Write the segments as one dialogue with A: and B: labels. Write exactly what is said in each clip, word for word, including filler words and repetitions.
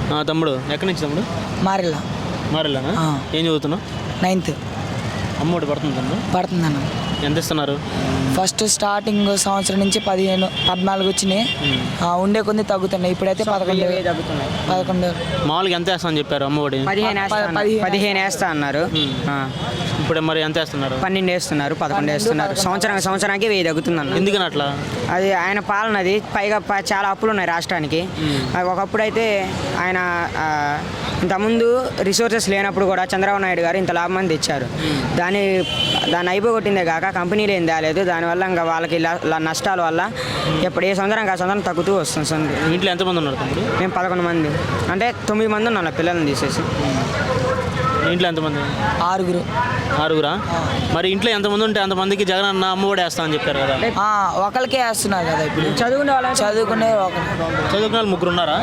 A: తమ్ముడు ఎక్కడి నుంచి తమ్ముడు?
B: మారెల్లా.
A: మారెల్లానా? ఏం చదువుతున్నావు?
B: నైన్త్.
A: అమ్మఒడి పడుతుంది తమ్ముడు?
B: పడుతుందన్న.
A: ఎంత ఇస్తున్నారు?
B: ఫస్ట్ స్టార్టింగ్ సంవత్సరం నుంచి పదిహేను పద్నాలుగు వచ్చినాయి. ఉండే కొన్ని తగ్గుతున్నాయి. ఇప్పుడైతే పదకొండు తగ్గుతున్నాయి. పదకొండు
A: మామూలుగా ఎంత వేస్తా అని చెప్పారు అమ్మఒడి?
C: పదిహేను పదిహేను వేస్తా అన్నారు.
A: ఇప్పుడు మరి ఎంత వేస్తున్నారు?
C: పన్నెండు వేస్తున్నారు, పదకొండు వేస్తున్నారు. సంవత్సరం సంవత్సరానికి వెయ్యి తగ్గుతుంది.
A: ఎందుకని అట్లా?
C: అది ఆయన పాలనది. పైగా చాలా అప్పులు ఉన్నాయి రాష్ట్రానికి. ఒకప్పుడు అయితే ఆయన ఇంతకుముందు రిసోర్సెస్ లేనప్పుడు కూడా చంద్రబాబు నాయుడు గారు ఇంత లాభం తెచ్చారు. దాన్ని దాన్ని అయిపోగొట్టిందే కాక కంపెనీలు ఏం తేలేదు. దానివల్ల ఇంకా వాళ్ళకి నష్టాల వల్ల ఎప్పుడు ఏ సంవత్సరం ఆ సంవత్సరం తగ్గుతూ వస్తుంది.
A: ఇంట్లో ఎంతమంది ఉన్నారు తమ్ముడు?
C: మేము పదకొండు మంది, అంటే తొమ్మిది మంది ఉన్నాం పిల్లల్ని తీసేసి.
A: ఇంట్లో ఎంతమంది?
B: ఆరుగురు.
A: ఆరుగురా? మరి ఇంట్లో ఎంతమంది ఉంటే అంతమందికి జగన్ అన్న అమ్మఒడి వేస్తా అని చెప్పారు కదా.
B: ఒకరికే వేస్తున్నారు కదా ఇప్పుడు.
C: చదువుకునే వాళ్ళు
B: చదువుకునే ఒకరు
A: చదువుకునే వాళ్ళు ముగ్గురు ఉన్నారా?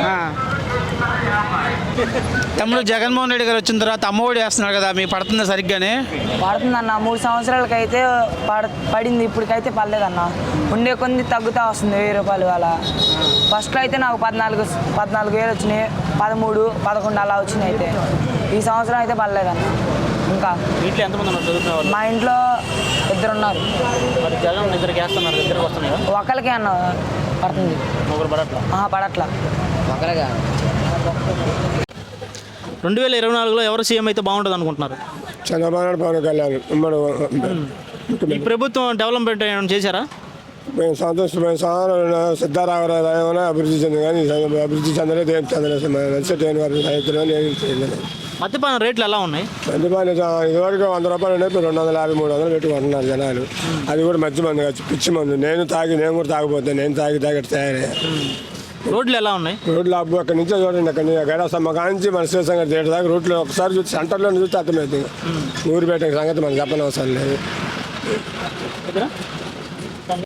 D: తమ్ముడు జగన్మోహన్ రెడ్డి గారు వచ్చిన తర్వాత అమ్మఒడి వేస్తున్నారు కదా, మీకు పడుతుంది సరిగ్గానే?
B: పడుతుందన్న. మూడు సంవత్సరాలకైతే పడ పడింది ఇప్పటికైతే పడలేదన్న. ఉండే కొన్ని తగ్గుతూ వస్తుంది వెయ్యి రూపాయలు అలా. ఫస్ట్లో అయితే నాకు పద్నాలుగు పద్నాలుగు వేలు వచ్చినాయి, పదమూడు పదకొండు అలా వచ్చినాయి. అయితే ఈ సంవత్సరం అయితే పడలేదన్న. ఇంకా
A: ఇంట్లో ఎంతమంది ఉన్నారు చదువుకునే వాళ్ళు?
B: మా ఇంట్లో ఇద్దరున్నారు.
A: మరి జగన్ ఇద్దరికి వేస్తున్నారు, ఇద్దరికి వస్తున్నాయి.
B: ఒకరికే అన్న పడుతుంది.
A: ఒకరు పడట్లా?
B: పడట్లా.
C: ఒకరిగా.
A: రెండు వేల ఇరవై నాలుగులో ఎవరు సీఎం అయితే బాగుంటుంది అనుకుంటున్నారు?
E: చంద్రబాబు నాయుడు, పవన్ కళ్యాణ్.
A: ఈ ప్రభుత్వం డెవలప్మెంట్ ఏమైనా చేశారా?
E: మేము సంతోషమైన సాధారణ సిద్ధారామరావు ఏమైనా అభివృద్ధి చెంది కానీ అభివృద్ధి చెందలేదు, ఏం చెందలేదు. నచ్చటైన వారి రైతులు ఏం చేయలేదు.
A: మద్యపాన రేట్లు ఎలా ఉన్నాయి?
E: మద్యపాన ఇదివరకు వంద రూపాయలు ఉన్నాయి, ఇప్పుడు రెండు వందల యాభై మూడు వందలు పెట్టుకుంటున్నారు జనాలు. అది కూడా మంచి మంది కాదు, పిచ్చి మందు. నేను తాగి నేను కూడా తాగిపోతాను. నేను తాగి తాగి తయారయ్యా.
A: రోడ్లు ఎలా ఉన్నాయి?
E: రోడ్లు అబ్బు అక్కడి నుంచి చూడండి, అక్కడి నుంచి గడసమ్మ కాంచి మన శ్రీశంకర్ థియేటర్ దాకా రోడ్లు ఒకసారి చూసి సెంటర్లో చూస్తే అర్థమవుతుంది. ఊరు పెట్టే సంగతి మనం చెప్పనవసరం లేదు.